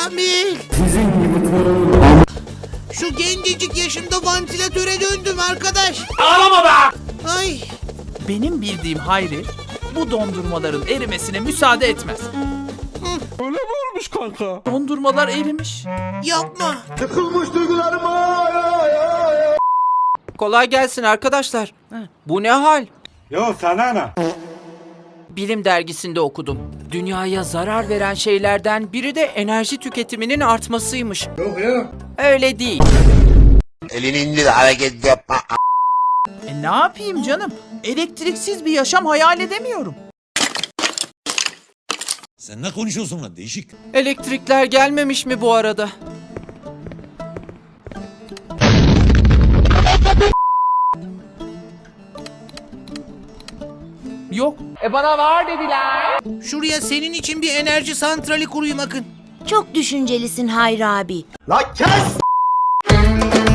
Kamil. Şu gencecik yaşımda vantilatöre döndüm arkadaş. Ağlama be! Ay. Benim bildiğim Hayri bu dondurmaların erimesine müsaade etmez. Öyle mi olmuş kanka? Dondurmalar erimiş. Yapma. Kolay gelsin arkadaşlar. Bu ne hal? Yo sana ne? Bilim dergisinde okudum. Dünyaya zarar veren şeylerden biri de enerji tüketiminin artmasıymış. Yok ya. Öyle değil. Elini indir, hareket yapma. Ne yapayım canım? Elektriksiz bir yaşam hayal edemiyorum. Sen ne konuşuyorsun lan değişik? Elektrikler gelmemiş mi bu arada? Yok. Şuraya senin için bir enerji santrali kurayım Akın. Çok düşüncelisin Hayri abi. La kes!